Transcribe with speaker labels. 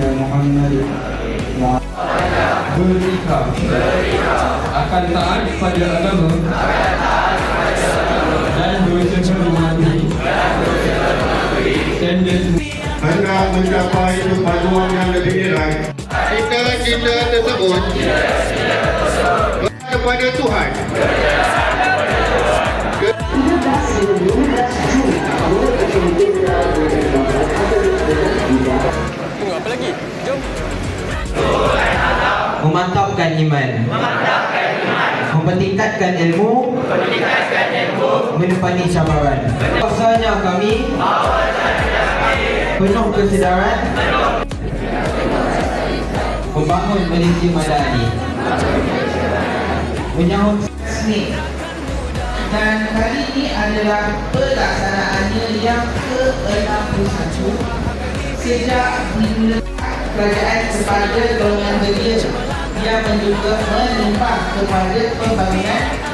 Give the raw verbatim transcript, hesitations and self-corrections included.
Speaker 1: Muhammad Berikah akan taat pada agama dan berusaha mematuhi standard
Speaker 2: hendak mencapai perpaduan yang lebih nilai. Cita-cita tersebut kepada Tuhan.
Speaker 3: Tunggu apa lagi? Jom.
Speaker 4: Memantapkan iman, mempertingkatkan ilmu, menepani cabaran. Bahwasanya kami penuh kesedaran membangun Malaysia Madani, menyahut resmi. Dan kali ini adalah pelaksanaannya yang ke enam puluh satu sejak dimulai kerajaan kepada golongan belia yang juga menimpa kepada pembangunan